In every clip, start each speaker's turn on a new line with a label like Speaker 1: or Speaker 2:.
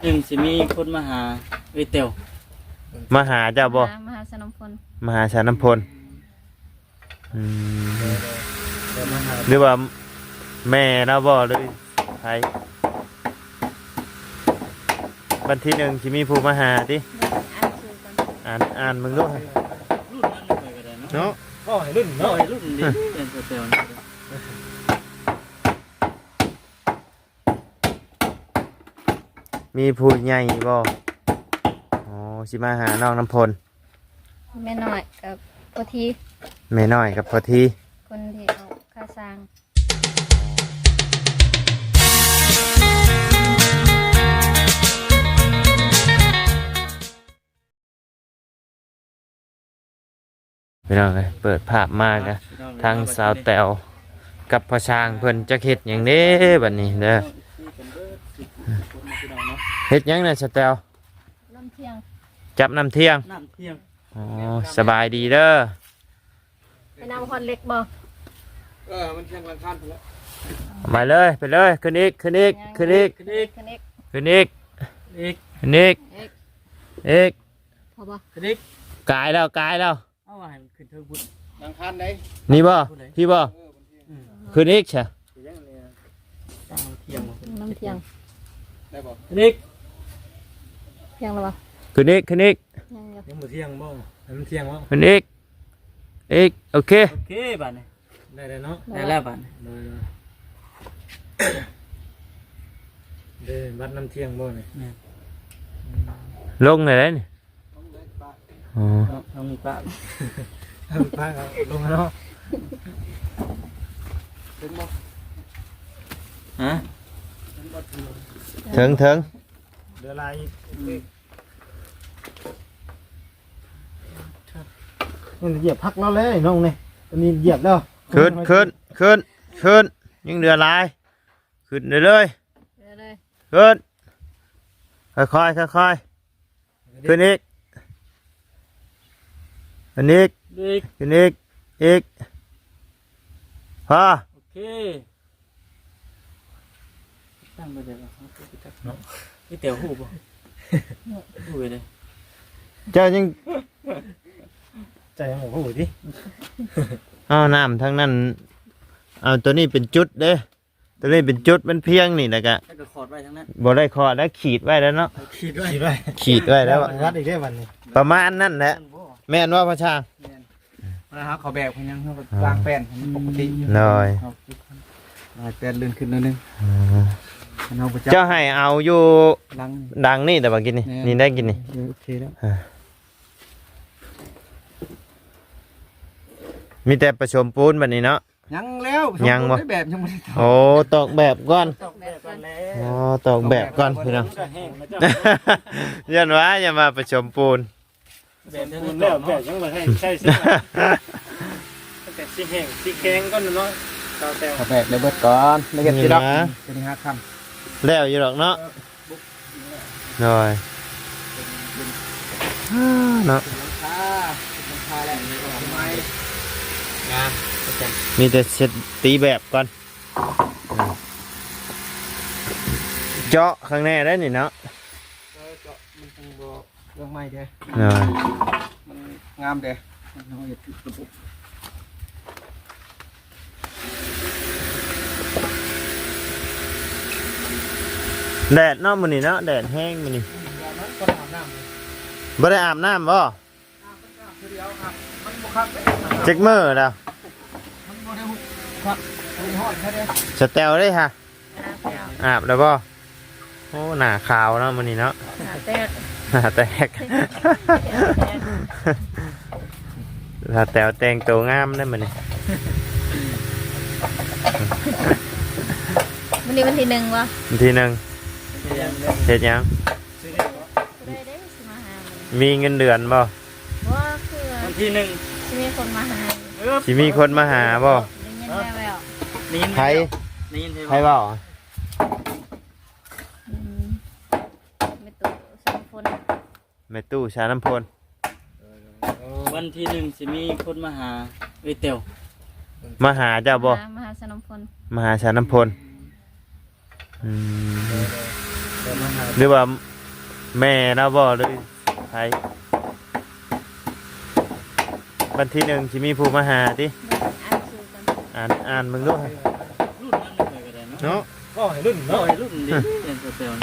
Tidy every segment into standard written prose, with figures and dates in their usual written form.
Speaker 1: หนึ่งสิมีคนมาหาเตียว
Speaker 2: มาหาเจ้าบ่
Speaker 3: มหาสนมพล
Speaker 2: มหาชาน้ำพลหรือว่าแม่เราบ่เลยใครวันที่หนึ่งสิมีผู้มาหาดิอ่านมึงด้วย
Speaker 1: รุ่นนั้นเลยก็ได้เนาะ
Speaker 2: เนาะรุ่น
Speaker 1: เนาะรุ่นนี้เป็นเตียว
Speaker 2: มีผู้ใหญ่บ่อ๋อสิมาหาน้องน้ำพล
Speaker 3: แม่น้อยกับพอที
Speaker 2: แม่น้อยกับพอที
Speaker 3: คนที่เอาค่าสร้าง
Speaker 2: พี่น้องเลยเปิดภาพมากนะทางสาวแตวกับพ่อช้างเพิ่นจะเฮ็ดอย่างนี้บัดนี้เด้อเฮ็ดหยังน่ะสาวแตว
Speaker 3: น้ำเที่ยง
Speaker 2: จับน้ำเที่ยงอ๋อสบายดีเด้อ
Speaker 3: ไปนำคนเล็กบ่
Speaker 1: มันเที่ยงวันคันแล้ว
Speaker 2: ไปเลยไปเลยขึ้นอีกขึ้นอีกขึ้นอีกขึ้นอีกขึ้นอีกอีก
Speaker 3: พอบ่
Speaker 1: ขึ้นอีก
Speaker 2: กายแล้ว
Speaker 1: เอาว่าให้มันขึ้นเทิงบุญดังคันได้
Speaker 2: นี่บ่พี่บ่ขึ้นอีกใช่
Speaker 3: น้ำเที่ยง
Speaker 1: ได้บ่ขึ้นอีก
Speaker 3: เที่ยงแล้วบ่
Speaker 2: ขึ้นอีก
Speaker 1: ยังบ่เที่ยงบ่ให้มันเที่ยงบ่
Speaker 2: ขึ้นอีกโอเค
Speaker 1: บัดนี้ได้เนาะได้แล้วบัดเด้บัดน้ำเที่ยงบ่นี่
Speaker 2: ลงเลยนี่อ๋อ
Speaker 1: ลงปะลงเนาะถึงบ่ฮะ
Speaker 2: ถึง
Speaker 1: เดือดลายนี่เหยียบพักแล้วเลยน้องนี่ตอนนี้เหยียบแล้ว
Speaker 2: ขึ้นยังเดือดลายขึ้นเลยขึ้นค่อยขึ้นอีกขึ้นอีกพอ
Speaker 1: โอเคตั้งไปเดี๋ยวเรานี่เตี๋ยวหูบ่หูเลย
Speaker 2: เจ้ายัง
Speaker 1: ใจยังหูดิ
Speaker 2: เอาน้ำทั้งนั้นเอาตัวนี้เป็นจุดเด้ตัวนี้เป็นจุดมันเพียงนี่นะกะ
Speaker 1: ขอดไว้ทั้งนั้น
Speaker 2: บ่ได้ขอดแล้วขีดไว้แล้วเนาะ
Speaker 1: ขีดไว้
Speaker 2: แล้ว
Speaker 1: วัดอีกได้วันนี้
Speaker 2: ประมาณนั้นแหละแม่นว่าพระชา
Speaker 1: นะครับเขาแบบยังวางแป้นปกติ
Speaker 2: หน่อย
Speaker 1: แป้นลื่นขึ้นนิดนึง
Speaker 2: เจ้าให้เอาอยู่ดังนี่แต่ว่ากินนี่ได้กินนี่
Speaker 1: โอเคแล้ว
Speaker 2: มีแต่ผสมปูนแบบนี้เนาะ
Speaker 1: ยังแล้ว
Speaker 2: ยังบ่
Speaker 1: แบบยังไม่ได้
Speaker 2: โอ้ตอกแบบก่อนอ๋อตอกแบบก่อนพี่น้องยันว่าอย่ามาผสมปูน
Speaker 1: แบบยังไม่ให้ใช่สิแต่สิแห้งสิแข็งก็เนาะเอาแบบเลยเบิดก่อนไม่เห็นสิดอกจะมี5 คำ
Speaker 2: แล้วอยู่หรอกเนาะหน่อยเนาะมีแต่เซตตีแบบก่อนเจาะข้างในได้นี่เนาะ
Speaker 1: เรื่องใหม่เด้มันงามเด้
Speaker 2: แดดเนาะมื้อนี้เนาะแดดแห้งมื้อนี้บ่ได้อาบน้ำบ่เจ็กมื้อแล้วสแตลได้ค่ะอาบแล้วบ่โอ้หน้าขาวเนาะมื้อนี้เนาะหน้าแตกถ้าแตวแต่งตัวงามได้มื้อนี้
Speaker 3: วันนี้วันที่1วะ
Speaker 2: วันที่1เฮ็ดหยังมีเงินเดือนบ่
Speaker 3: ว่าคือ
Speaker 1: วันที่1
Speaker 3: สิมีคนมาหา
Speaker 2: สิมีคนมาหาบ่ใครบ่แม่ตู้ชาน้ำพล
Speaker 1: วันที่1สิมีคนมาหาเตียว
Speaker 2: มาหาเจ้าบ่
Speaker 3: มหาชาน้ำพล
Speaker 2: หรือว่าแม่เราบอกเลยใครวันที่หนึ่งจะมีผู้มาหาดิ
Speaker 3: อ่านชื่อกัน
Speaker 2: อ่านมึงด้วย
Speaker 4: รุ่นนั้นเลยก็ได้เนาะ
Speaker 2: เนาะ
Speaker 1: ก็ให้รุ่น
Speaker 4: เนาะ
Speaker 1: เนาะ
Speaker 4: ไอ้รุ่นนี้เป็นเซลล์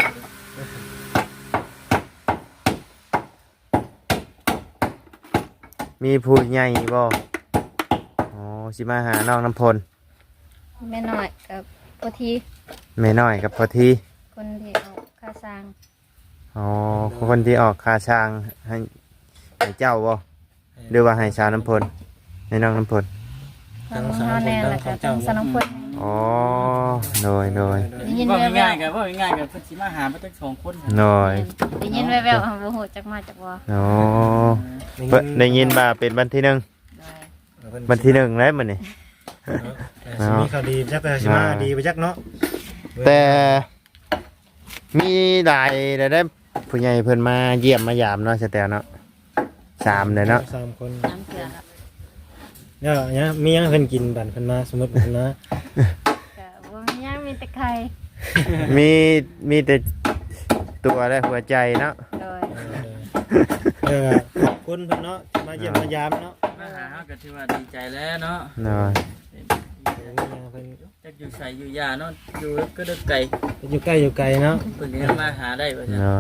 Speaker 2: มีผู้ใหญ่บ่อ๋อสิมาหาน้องน้ำพล
Speaker 3: แม่น้อยกับพอที
Speaker 2: แม่น้อยกับพอที
Speaker 3: คนที่เอาค่าสร้าง
Speaker 2: อ๋อคนที่ออกค่าช่างให้เจ้าบ่หรือว่าให้ชาวน้ำพลให้น้องน้ำพล
Speaker 3: ทางเฮาแน่แล้วก็ทางสนองพล
Speaker 2: อ๋อโดย
Speaker 3: ได้ยิน
Speaker 4: ว่า
Speaker 3: แว่ว
Speaker 4: ง่ายๆกันว่าง่ายๆกันเพิ่นสิมาหามาตั้ง2คน
Speaker 2: โดย
Speaker 3: ๆได้ยินแว่วๆบ่ฮู้จักมาจากบ่
Speaker 2: อ๋อเพิ่นได้ยินว่าเป็นวันที่หนึ่ง
Speaker 3: ได้
Speaker 2: วันที่หนึ่งแล้วมันนี่
Speaker 1: สิมีข่าวดีจักแต่สิมาดีไปจักเนาะ
Speaker 2: แต่มีหลายได้ผู้ใหญ่เพิ่นมาเยี่ยมมายามเนาะสแตลเนาะ3เลยเนาะ
Speaker 1: 3คน
Speaker 3: น้ำเกลือครับ
Speaker 1: เนี่ยมียังเพิ่นกินบั่นเพิ่นมาสมมุติเพิ่นนะ
Speaker 3: ก็บ่มีหยังมีแต่ไข่
Speaker 2: มีแต่ตัวและหัวใจเนาะ
Speaker 3: โดย
Speaker 1: ขอบคุณเพิ่นเนาะที่มาเยี่ยมมายามเนาะ
Speaker 4: มาหาเฮาก็ถือว่าดีใจแล้วเนาะ
Speaker 2: เนาะ
Speaker 1: เพิ่น
Speaker 4: จักอยู่ใส่อยู่ยาเนาะอยู่ก็ดึกไกล
Speaker 1: อยู่ใกล้อยู่ไกลเนาะ
Speaker 4: เพิ่นก็มาหาได้ว่าซั่น
Speaker 2: เนาะ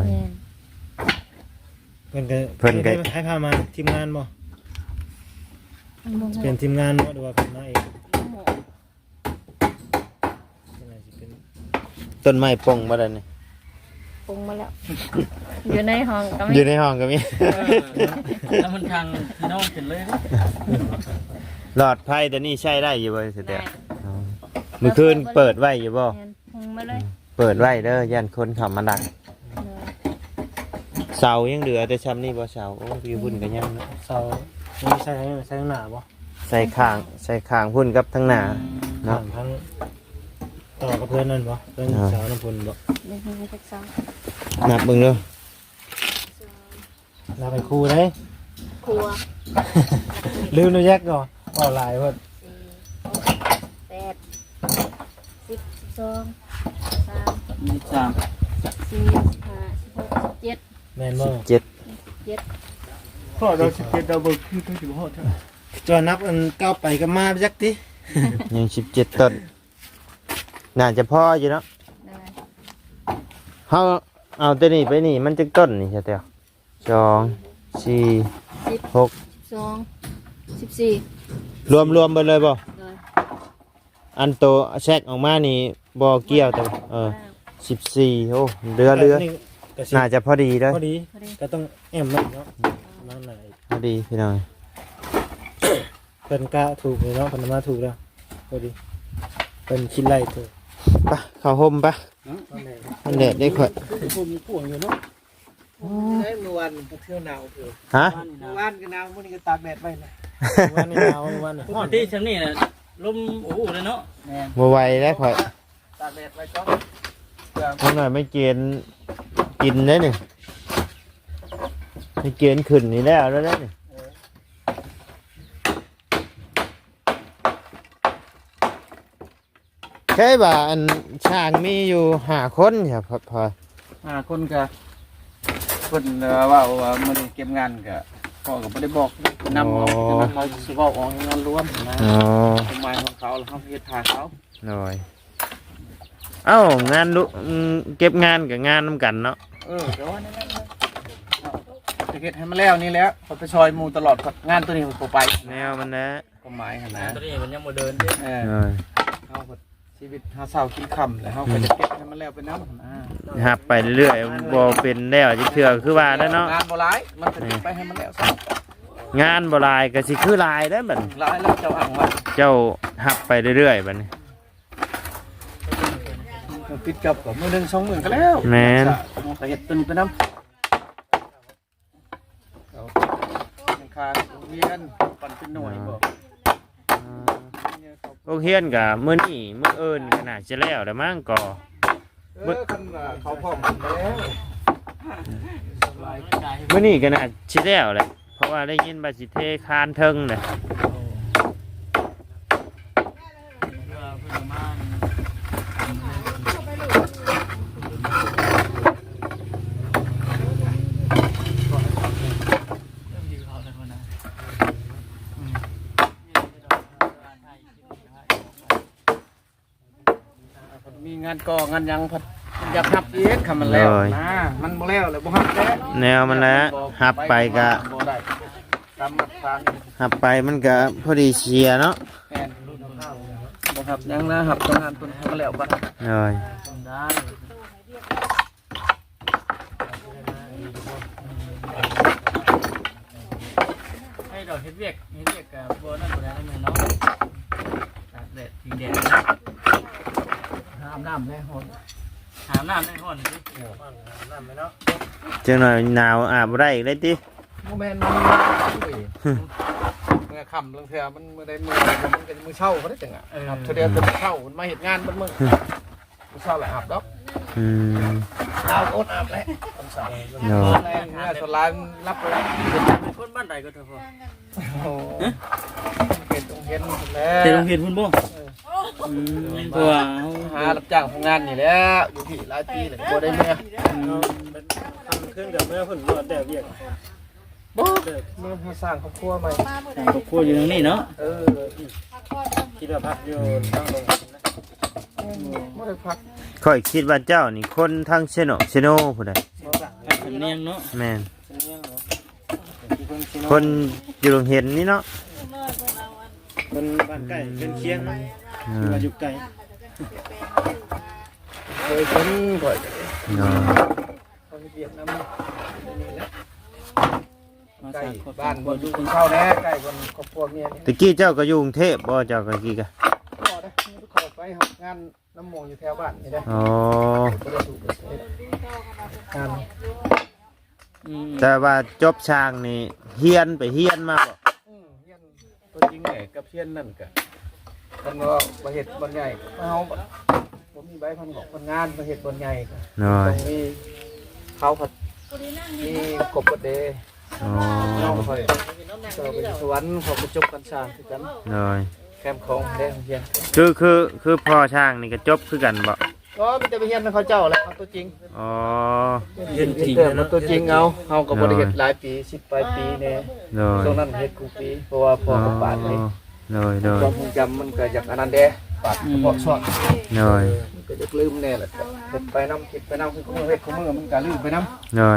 Speaker 3: แม่น
Speaker 1: เพิ่นก็ให้พามาทีมงานบ่
Speaker 3: มันบ่
Speaker 1: เป็นทีมงานบ่หรือว่าเป็นมาเอง
Speaker 3: หมู
Speaker 1: เป็นอะไรสิเป็น
Speaker 2: ต้นไม้ปงบ่ได้นี่
Speaker 3: ปรุงมาแล้ว อยู่ในห้องก็
Speaker 2: อ
Speaker 3: มี
Speaker 2: ยู่ในห้องก็มี
Speaker 4: แล้วมันทางพี่น้องขึ้นเลย
Speaker 2: หลอดไฟตัวนี้ใช้ได้อยู่บ่สแต
Speaker 3: ได้
Speaker 2: ลอ๋อมื้อคืนเปิดไว้อยู่บ่
Speaker 3: แม่นปรุงมาเลย
Speaker 2: เปิดไว้เด้อย่านคนเข้ามาดัก
Speaker 3: เลย
Speaker 2: เสายังเหลือแต่ซ้ำนี่บ่เสาโอ้พี่พุ่นก็ยังเนาะ
Speaker 1: เสามีใส่ข้างหน้าบ่
Speaker 2: ใส่ข้างพุ่นกับทั้งหน้า
Speaker 1: เนาะ
Speaker 2: เนาะ
Speaker 1: ทั้งต่อกับเพื่อนนั่นบ่เพื่อนสาวน้ำพลบ่
Speaker 3: ได้ยินมาจากสอง
Speaker 2: นับเบิ่งเด้อ
Speaker 1: ลาไปครูได้
Speaker 3: ครัว
Speaker 1: ลืมนูแยกก่อนเอาหลายเพิ่น
Speaker 3: 4 6 8 10 12 13
Speaker 4: มี3
Speaker 3: 14 15 16 17
Speaker 1: แม่นบ่
Speaker 2: 7
Speaker 4: พ่อเรา17เราเบิกคือต้องสิบ่ฮอดเท่า
Speaker 1: จอนับอันก้าวไปก็มาจักติ
Speaker 2: ยัง17ต้นน่าจะพออยู่เนาะ
Speaker 3: ได้
Speaker 2: เฮาเอาตัวนี้ไปนี่มันจักต้นนี่ใช่เตียว2 4 6
Speaker 3: 12 14
Speaker 2: รวมไปเลยบ่
Speaker 3: เลย
Speaker 2: อันโตแทรกออกมานี่บ่เกี่ยวแต่14โอ้เรือ
Speaker 1: นี่ก็สิ
Speaker 2: น่าจะพอดีเด้อ
Speaker 1: พอดีก็ต้องแอมมันเนาะมาไหน
Speaker 2: พอดีพี่น้อง
Speaker 1: เพิ่นกะถูกเลยเนาะเพิ่นมาถูกแล้วพอดีเพิ่นคิดไล่ถูก
Speaker 2: ไปเข้าห่มปะ
Speaker 1: ตอนแรก
Speaker 2: มันแดดได้ข่อย
Speaker 1: ผมมีพ่วงอยู่เนาะได้เมื่อวานก็เที่ยวหนาวเถอะ
Speaker 2: ฮะ
Speaker 1: เมื่อวานก็หนาวมื้อนี้ก็ตากแดดไว้นะวันนี้หนาววันนี้
Speaker 4: ปกติชั้นนี้น่ะลมโอ้โหเลยเนาะแม่น
Speaker 2: บ่ไหวแล้วข่อย
Speaker 1: ตากแดดไว้ก่อน
Speaker 2: เอาหน่อยไม่เกณฑ์กินได้นี่ไม่เกณฑ์ขึ้นนี่แล้วได้นี่แค่ว่าอันช่างมีอยู่5คนครับพอ
Speaker 4: คนก็เพิ่นว่ามันเก็บงานก็พ่อก็บ่ได้บอกนำเอาฉะนั้นเราสิเว้าออกงานรวมนะ
Speaker 2: อ๋อ
Speaker 4: เป็นหมายของเขาแล้วเขาเฮ็ดทาเขา
Speaker 2: หน่อยเอ้างานเก็บงานกับงานน้ำกันเนาะ
Speaker 4: แต่ว่านั่นจะเฮ็ดให้มันแล้วนี่แหล้วเขาไปซอยหมู่ตลอดงานตัวนี้มันบ่ไป
Speaker 2: แนวมันนะ
Speaker 4: ก็หมายหั่นนะตัวนี้มันยังบ่เดินเด้
Speaker 2: หน่อย
Speaker 4: เฮาก็ชีวิตหาเช้ากินค่ำแล้วเฮาก็จะเก็บให้มันแล้วไปนำ
Speaker 2: หับไปเรื่อยๆบ่เป็นแล้วจิเถื่อคือว่าแล้วเนาะ
Speaker 4: งานบ่หลายมันก็เก็บไปให้มันแล้วซะ
Speaker 2: งานบ่หลายก็สิคือหลายได้อบัดนี้
Speaker 4: หลายแล้วเจ้าอ้างว่า
Speaker 2: เจ้าหับไปเรื่อยๆบัดนี้
Speaker 4: ปิดกับมื้อนึง2มื้อก็แล้ว
Speaker 2: แม่น
Speaker 4: ก็เฮ็ดตัวนี้ไปนำค่าโรงเรียนปั่นเป็นหน่วยบ่
Speaker 2: โรงเรียนก็มื้อนี้มื้ออื่นก็น่าจะแล้วแล้วมั้งก็
Speaker 4: คันว่าเขาพร้อมกันแล้ว
Speaker 2: มื้อนี้ก็น่าสิแล้วแหละเพราะว่าได้ยินว่าสิเทคานเทิงน่ะ
Speaker 4: านก่องานยังพัดอยากหับอีกคำมันแล้วนะมันบ่แล้วเลยบ่หับแล้ว
Speaker 2: แนวมันแล้วหับไปก็
Speaker 4: บ่ได้ตามมาตรฐาน
Speaker 2: หับไปมันก็พอดีเชียร์เนาะ
Speaker 4: แม่นบ่หับยังนะหับต้องงานต้นให้มันแล้วบัด
Speaker 2: เลย
Speaker 4: ได้ให้ดอกเฮ็ดเวียกกับบ่นั่นบ่ได้แม่เนาะตากแดดพิงแดดหามน้ำได้ฮ้อนหามน้ำได้ฮ้อนสิน้ำไปเนาะ
Speaker 2: จังหน่อยหนาวอาบบ่ได้อีกเลยติ
Speaker 4: โมเมนต์มันเมื่อค่ำลงเทือมันเมื่อใดมือมันเป็นมือเช่าก็ได้จังอ่ะครับเทือเดียวเป็นเช่ามันมาเห็นงานมันมือเช่าแหละอาบดอก
Speaker 2: อืม
Speaker 4: เอาอดอาบแล้วตอนเช้า
Speaker 2: เนาะ
Speaker 4: แรงเมื่อสลายรับไปแล้ว
Speaker 1: เป็นคนบ้านใดก็เถอะพ่อ
Speaker 4: โอ้เป็นตรงเห็นแล้ว
Speaker 1: แต่โรงเรียนพุ่นบ่เพราะว่า
Speaker 4: หารับจ้างทำงานอยู่แล้วอยู่ที่หลายปีเลยบ่ได้เมื่อ
Speaker 1: ทำเครื่องกับเมื่อพุ่นบ่แต่เวียก
Speaker 4: บ่เมื่อหาสร้างครอบครัวใหม่
Speaker 1: ครอบครัวอยู่ตรงนี้เนาะ
Speaker 4: คิดว่าพักอยู่ตั้งลงไม่ได้พัก
Speaker 2: ค่อยคิดว่าเจ้านี่คนทางเซโนผู้ใด
Speaker 1: สำเนียงเนาะ
Speaker 2: แม่นคนอยู่โรงเรียนนี่เนาะ
Speaker 1: คนบ้านใกล้เป็นเคียง
Speaker 2: อืม
Speaker 1: มาอยู่ไกล
Speaker 4: เคยคนก่อน
Speaker 2: เนาะ
Speaker 4: เขาเวียดนามนี่แหละ
Speaker 1: มา
Speaker 4: ใกล้
Speaker 1: สร้างครอบค
Speaker 4: บ้าน
Speaker 1: รั
Speaker 4: บ่
Speaker 1: ว
Speaker 4: อยู่กินข้าวแน่ใกล้คนครอบครัวเมียนี่
Speaker 2: ตะกี้เจ้าก็อยู่กรุงเทพบ่เจ้าก็กี้กะ
Speaker 4: ก็ได้ขอไปหางานน้ำมงอยู่แถวบ้านนี่ได้
Speaker 2: อ๋อ
Speaker 4: บ่ได้ถูกงาน
Speaker 2: แต่ว่าจบช่างนี่เฮียนไปเฮียนมาบ่
Speaker 4: เฮียนตัวจริงแหละกับเฮียนนั่นก็มันว่าบ่เฮ็ดบ่ใหญ่เฮาบ่มีใบพันบอกคนงานบ่เฮ็ดบ่ใหญ่ก็
Speaker 2: น้อ
Speaker 4: ต้
Speaker 2: ย
Speaker 4: องมีเขาผัดมีกบกระเด
Speaker 2: อ๋อ
Speaker 4: น้องคอยเจอไปอยู่สวรรค์เขาไปจบกันสร้างคือกัน
Speaker 2: น้อย
Speaker 4: แคมป์ของแดงเฮียน
Speaker 2: คือพ่อช่างนี่ก็จบคือกันบ่
Speaker 4: ก็มีแต่ไปเฮียนเขาเจ้าแหล้วเอาตัวจริง
Speaker 2: อ๋อ
Speaker 1: เรียนจริง
Speaker 4: เติม
Speaker 1: เนาะ
Speaker 4: ตัวจริงเอากับบริเฮ็ดหลายปี10ปลายปีเนี่ย
Speaker 2: น้อย
Speaker 4: ตรงนั้นเฮ็ดกูปีเพราะว่าพ่อกับปาดนี่
Speaker 2: น้อยน้อย
Speaker 4: ความทรงจำมันก็จากอันนั้นเด้ปาดพอสอน
Speaker 2: น้อย
Speaker 4: มันก็จะลืมแน่แหละเฮ็ดไปนำคิดไปนำคือของเฮ็ดของมือมันก็ลืมไปนำ
Speaker 2: น้อย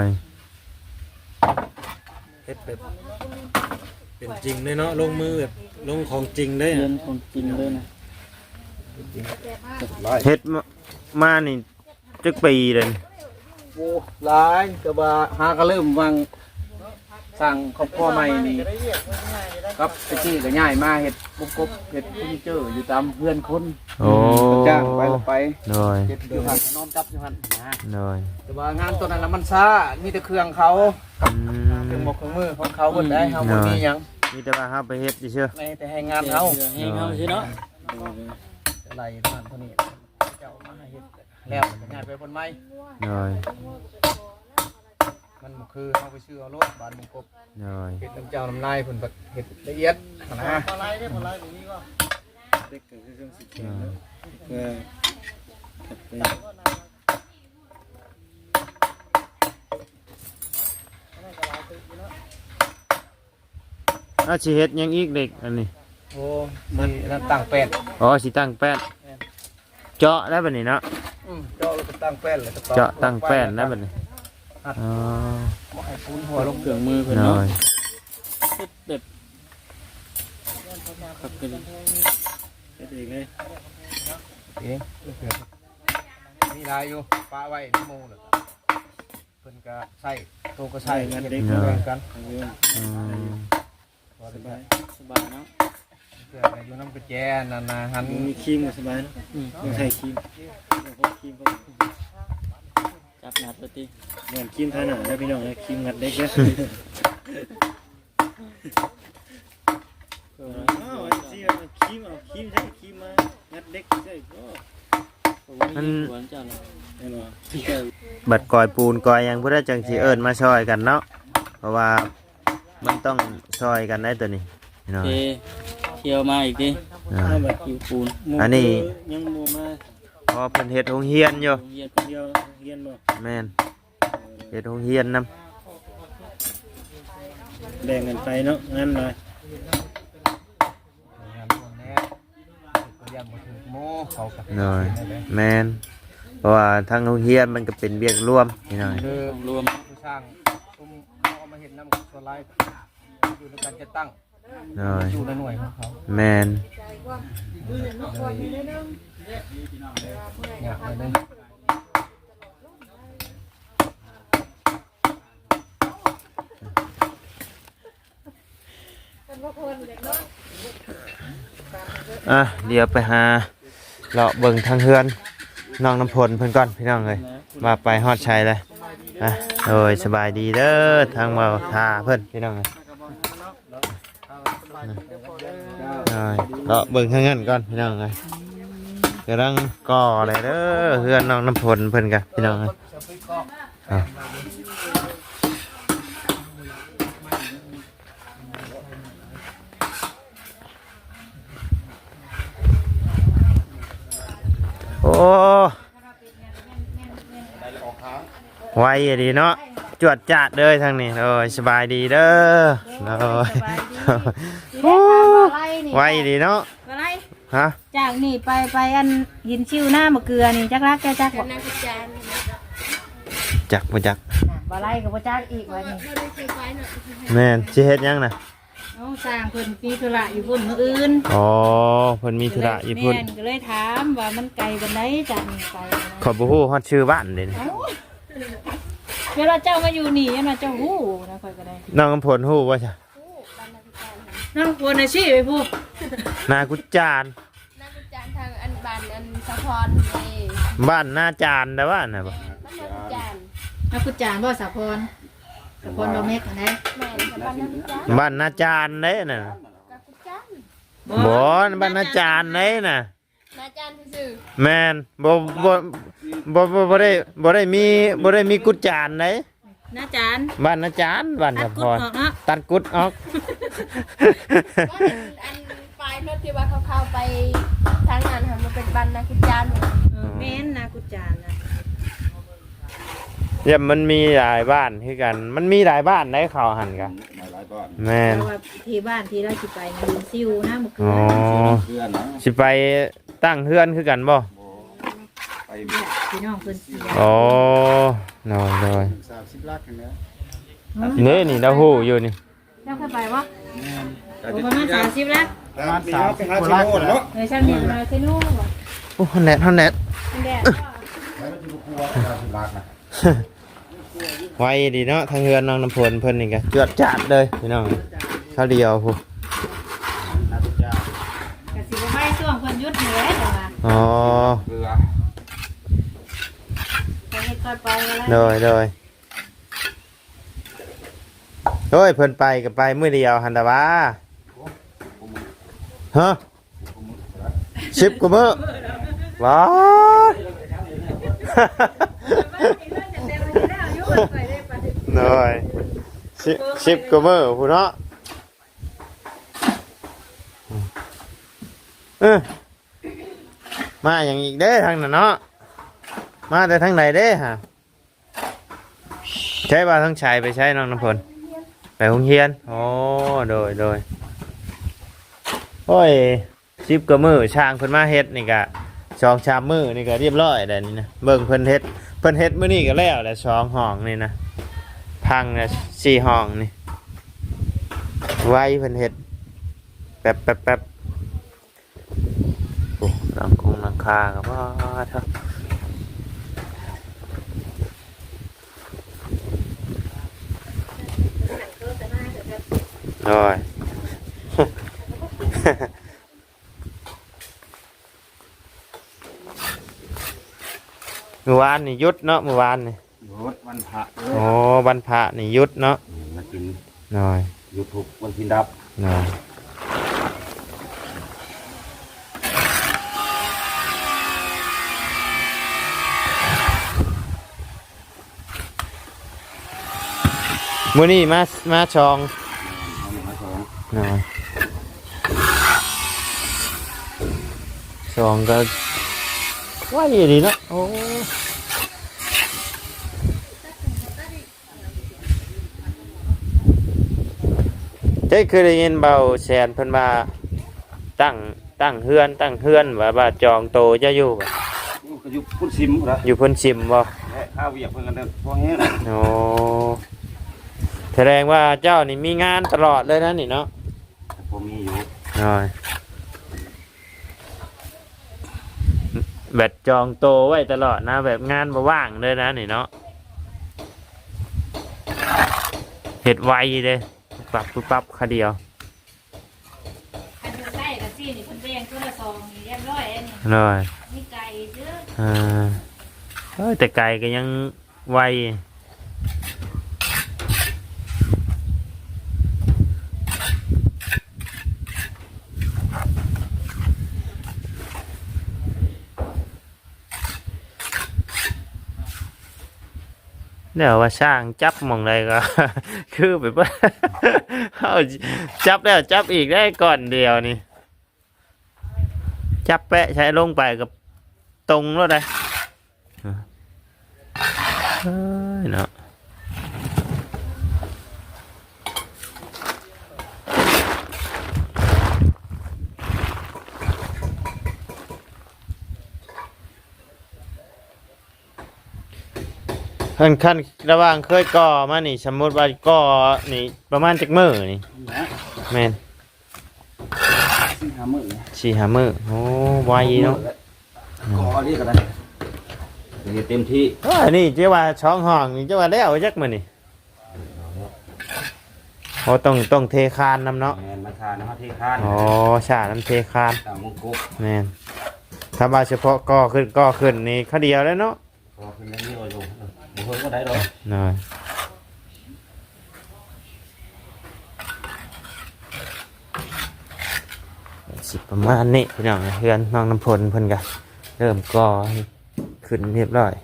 Speaker 1: เฮ็ดแบบเป็นจริงเลยเนาะลงมือแบบลงของจริงได้
Speaker 5: เรียนของจริงเลยนะ
Speaker 2: เฮ็ดมานี่จักปีเลย
Speaker 4: โอ้หลายก็ว่าหาก็เริ่มวางสร้างครอบครัวใหม่นี่ครับตะกี้ก็ย้ายมาเฮ็ดบุกบเฮ็ดเฟอร์นิเจอร์อยู่ตามเพื่อนคน
Speaker 2: โอ้
Speaker 4: จ้างไปแล้วไป
Speaker 2: น้อย
Speaker 4: เฮ็ดอยู่หั่นนอนจับอยู่หั่นนะ
Speaker 2: น้อย
Speaker 4: แต่ว่างานตัวนั้นน่ะมันช้ามีแต่เครื่องเขา
Speaker 2: อืม
Speaker 4: เครื่องหมกเครื่องมือของเขาเบิดได้เฮาบ่มีหยัง
Speaker 2: มีแต่ว่าเฮาไปเฮ็ดเชื่อ
Speaker 4: ในแต่ให้งานเขา
Speaker 5: ให้เขาใช่เนาะ
Speaker 4: อะไรเท่านั้นเท่านี้เจ้ามาให้เฮ็ดแล้วก็ย้ายไปคนใหม่
Speaker 2: น้อย
Speaker 4: มันบ่คือเฮาไปซื้อเอารถบ้านบุกบ
Speaker 2: น้อย
Speaker 4: เฮ็ดน้ำเจ้าน้ำนายเพิ่นแบบเฮ็ดละเอียดนะ
Speaker 1: เด็กก็คือเครื่องสีเขียวเนาะเพื่อถัดไป
Speaker 2: สิเฮ็ดหยังอีกเด็กอันนี้
Speaker 4: โอ้มันนั่นตั้งแป้น
Speaker 2: อ๋อสิตั้งแป้นเจาะได้บัดนี้เนาะ
Speaker 4: เจาะแล้วก็ตั้งแป้นแล้วก็
Speaker 2: เจาะตั้งแป้นได้บัดนี้อ๋อ
Speaker 4: บ่ให้ปูนหัวลง
Speaker 5: เครื่องมือเพิ่น
Speaker 2: น้
Speaker 5: เนาะ
Speaker 2: อย
Speaker 5: แบบขับกัน
Speaker 1: เฮ็ดเองเลย
Speaker 4: เองมีลายอยู่ปะไว้ในหมู่แล้วก็เพิ่นก็ใส่โตก็ใส่เงินเด็กแบ่งกัน
Speaker 2: อืม
Speaker 1: สบาย
Speaker 5: สบายเนาะ
Speaker 4: เพื่อไปอยู่น้ำกระแจนั่นนะหัน
Speaker 1: มีครีมก็สบายเนาะต้องใช้ครีมพวกครีมพวก
Speaker 5: จับหนัดไปติ
Speaker 1: เหมือนครีมทาหนังนะพี่น้องนะครีมงัดเด็กนะอ้าวเสียครีมเอาครีมใช้ครีมมางัดเด็กใช่ก็
Speaker 5: มันสวนเจ้าเนาะ
Speaker 1: แน่นอน
Speaker 2: บัดกอยปูนกอยหยังพุทธจังสิเอิ้นมาช่วยกันเนาะเพราะว่ามันต้องช่วยกันได้ตัวนี้น้อ
Speaker 5: เท
Speaker 2: ย
Speaker 5: เที่ยวมาอีกดิ
Speaker 2: น้อย
Speaker 1: แบบ
Speaker 5: คิวปูน
Speaker 2: อันนี้
Speaker 1: ยังโมมา
Speaker 2: เพราะเพิ่นเฮ็ดโรงเรียนอยู่
Speaker 5: โรงเรียน
Speaker 1: เดียวเรียนบ่
Speaker 2: แม่นเฮ็ดโรงเรียนนํ
Speaker 1: แบ่งกันไปเนาะงั้นเลย
Speaker 4: งานพวกนี้ก็ยังบ่ถึงโมเขาก็
Speaker 2: น้อยแม่นราะว่าทางโรงเรียนมันก็เป็นเวียกร่วมพี่น้อง
Speaker 1: คือ
Speaker 5: รวม
Speaker 1: ผู้สร้างซุ้มเขาเอามาเห็นน้ำส่วนไลฟ์อยู่ในการจะตั้ง
Speaker 2: โดย
Speaker 1: อยู่ในหน่วยของเขา
Speaker 2: แมน
Speaker 1: อยากเลย
Speaker 2: อ่ะเดี๋ยวไปหาเลาะเบิ่งทางเฮือนน้องน้ำพลเพิ่นก่อนพี่น้องเลยว่าไปฮอดชัยเลยอ่ะโดยสบายดีเด้อทางเมาทาเพิ่นพี่น้องเลยเลาะเบิ่งทางนั้นก่อนพี่น้องเลยกำลังก่ออะไรเด้อเฮือนน้องน้ำพลเพิ่นกันพี่น้องเลยอ่ะโอ้ไวดีเนาะจวดจัดเลยทางนี้โอ้ยสบายดีเด้อโอ้ยไวดีเนาะ
Speaker 3: อะไร
Speaker 2: ฮะ
Speaker 3: จากนี่ไปอันยินชิวหน้ามะเกลือนี่จักรักแกจักบ่
Speaker 2: จักบ่จัก
Speaker 3: บ่ไล่กับบ่จักอีกว่านี่
Speaker 2: แม่นสิเฮ็ดหยังน่ะ
Speaker 3: น้องสร้างเพิ่นมีธุระอยู่พุ่นมื้ออื่น
Speaker 2: อ๋อเพิ่นมีธุระอยู่พุ่น
Speaker 3: แม่นก็เลยถามว่ามันไกลปานใดจากนี่ไปนะ
Speaker 2: ขอยบ่ฮู้ฮอดชื่อบ้านเด้นี่
Speaker 3: เอ้าเวลาเจ้ามาอยู่นี่ยันว่าเจ้าฮู้นะค่อยก็ได้
Speaker 2: น้องกำพลฮู้บ่จ้ะ
Speaker 3: น้องควรอาชีพไปพูด
Speaker 2: นากุจจาน
Speaker 6: นักวิจารณ์ทางอันบันอันสะพรนี่
Speaker 2: บ้านนาจานแต่ว่าน่ะบ่
Speaker 6: นักวิจารณ์
Speaker 3: นักกุจานบ่สะพรสะพรบ่เม็กอันใด
Speaker 6: แม่นสะพรนักวิจารณ์
Speaker 2: บ้านนาจานเด้น่ะ
Speaker 6: นักวิจารณ์
Speaker 2: บ่บ้านนาจานเด้น่ะ
Speaker 6: นาจารย์ซื่อ
Speaker 2: แม่นบ่ได้มีกุจจานเด้
Speaker 3: น้าจาน
Speaker 2: บ้านนาจานบ้าน
Speaker 3: ตั
Speaker 2: สะ
Speaker 3: ด
Speaker 2: พ
Speaker 3: กุด
Speaker 2: ร
Speaker 3: ออกเนาะ
Speaker 2: ตัดกุดออก
Speaker 6: ๆว่าอันปลายรถที่ว่าเขาเข้าไปทางนั้นค่ะมันเป็นบันนักวิจารณ์
Speaker 3: แม่นนากุจานนะ
Speaker 2: เนี่ยมันมีหลายบ้านคือกัน มันมีหลายบ้านได้เขาหันกันแม่น
Speaker 3: เพราะว่าที่บ้านที่เราสิไปนะยินซิวนะมะเกลื
Speaker 2: อ๋อ
Speaker 3: อ
Speaker 2: สิไปตั้งเฮือนคือกันบ่
Speaker 3: พี่น้องเพิ่นเสีย
Speaker 2: อ๋อน้อยน้อย
Speaker 1: 30ลักอย่างเงี้ย
Speaker 2: นี่เราฮู้อยู่นี่
Speaker 3: เจ้าเคยไปบ่ประมาณ30แล้ว
Speaker 1: ประมาณ30ลักเนาะ
Speaker 3: ฉันเห็นมาเซโน่บ่
Speaker 2: โอ้ฮอนแนทฮอนแนท
Speaker 3: มันแดด
Speaker 2: ไวดีเนาะทางเฮือนน้องน้ำพลเพิ่นนี่ก็จวดจัดเลยพี่น้องเขาเดียวพู
Speaker 3: ก็สิบ่ไปช่วงเพิ่นหยุดแหน่แต่ว่า
Speaker 2: อ๋อ
Speaker 3: ไปเฮ็ดค่อยไปแล้ว
Speaker 2: โดยโดยโอ้ยเพิ่นไปก็ไปมื้อเดียวหันตะว่าฮะ10กว่ามื้อว้า หน่อยสิบกว่ามื้อพู้นเนาะมาอย่างอีกเด้ทางนั้นเนาะมาแต่ทางไหนเด้ฮะใช้บ่าทั้งชายไปใช้น้องน้ำพลไปโรงเรียนโอ้โดยโอ้ย10กว่ามื้อช่างเพิ่นมาเฮ็ดนี่ก็2-3มื้อนี่ก็เรียบร้อยแล้วนี่นะเบิ่งเพิ่นเฮ็ดมื้อนี้ก็แล้วแหละ2ห้องนี่นะพังนะ4ห้องนี่ไว้เพิ่นเฮ็ดแป๊บโอ้หลังคาก็ว่าเถอะโอ้ย เมื่อวานนี่หยุดเนาะเมื่อวานนี่
Speaker 1: วันพระ
Speaker 2: โอ้วันพระนี่หยุดเนาะ
Speaker 1: มากิน
Speaker 2: หน่อย
Speaker 1: ยูทูบวันพินดับ
Speaker 2: หน่อยมื้อนี้มาชองหน่อยชองก็ว่าดีเนาะโอ้เจ๊เคยได้ยินเบาแสนเพิ่นมาตั้งเฮือนว่าจองโตจะอยู่บ่
Speaker 1: เคก็อยู่พุ่นซิมเหรอ
Speaker 2: อยู่เพิ่นชิมบ่
Speaker 1: ข้าวเวียกเพิ่นกันเด้อพวกนี้
Speaker 2: โอ้แสดงว่าเจ้านี่มีงานตลอดเลยนะนี่เนาะ
Speaker 1: ผมมีอยู่
Speaker 2: น้อยแบบจองโตไว้ตลอดนะแบบงานบ่ว่างเลยนะนี่เนาะเฮ็ดไวเลยปรับปุ๊บปั๊บคาเดียว
Speaker 3: อันเดียวใส่กับซี่นี่เพิ่นแบ่งตัวละซองนี่เรียบร้อยแล้วนี่
Speaker 2: น้อย
Speaker 3: มีไก่เด้อ
Speaker 2: เอ้ยแต่ไก่ก็ยังไวเดี๋ยวว่าช่างจับหมองใดก็ คือแบบว่า เอาจับแล้วจับอีกได้ก่อนเดียวนี่จับแปะใช้ลงไปกับตรงแล้วได้เฮ้ยเนาะขั้นระหว่างเคยก่อมานี่สมมติว่าก่อนี่ประมาณจักมื้อนี่แม่น
Speaker 1: 5 มื้อ
Speaker 2: 4-5 มื้อโอ้ไวเนาะ
Speaker 1: ขอเรียกกันได้เต็มที่
Speaker 2: นี่เจ้าว่าช่องห้องนี่เจ้าว่าแล้วจักมื้อนี่โอ้ต้องเทคานนำเนาะ
Speaker 1: แม่นมาทานนะเทคาน
Speaker 2: อ๋อชาน้ำเทคาน
Speaker 1: ตามมงกุฎ
Speaker 2: แม่นถ้าว่าเฉพาะก่อขึ้นนี่เขาเดียวแล้วเนาะ
Speaker 1: พอขึ้นแล้วนี่อยู่บ่เพิ่นก็ได้ดอก
Speaker 2: น้อยสิประมาณนี้พี่น้องเฮือนน้องน้ำพลเพิ่นก็เริ่มก่อให้ขึ้นเรียบร้อย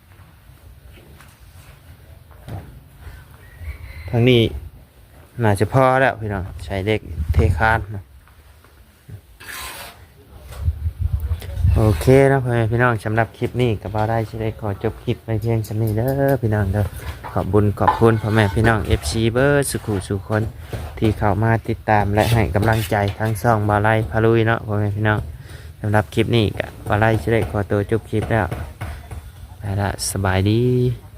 Speaker 2: ทางนี้น่าจะพอแล้วพี่น้องใช้เด็กเทคานนะโอเคนะพี่น้องสำหรับคลิปนี้ก็บ่ได้สิได้ขอจบคลิปไปเพียงเท่านี้เด้อพี่น้องเด้อขอบคุณพ่อแม่พี่น้อง FC เบอร์สุขุสุคนที่เข้ามาติดตามและให้กำลังใจทั้งช่องบ่าวไร่พาลุยเนาะพ่อแม่พี่น้องสำหรับคลิปนี้ก็บ่าวไร่สิได้ขอตัวจบคลิปแล้วไปละสบายดี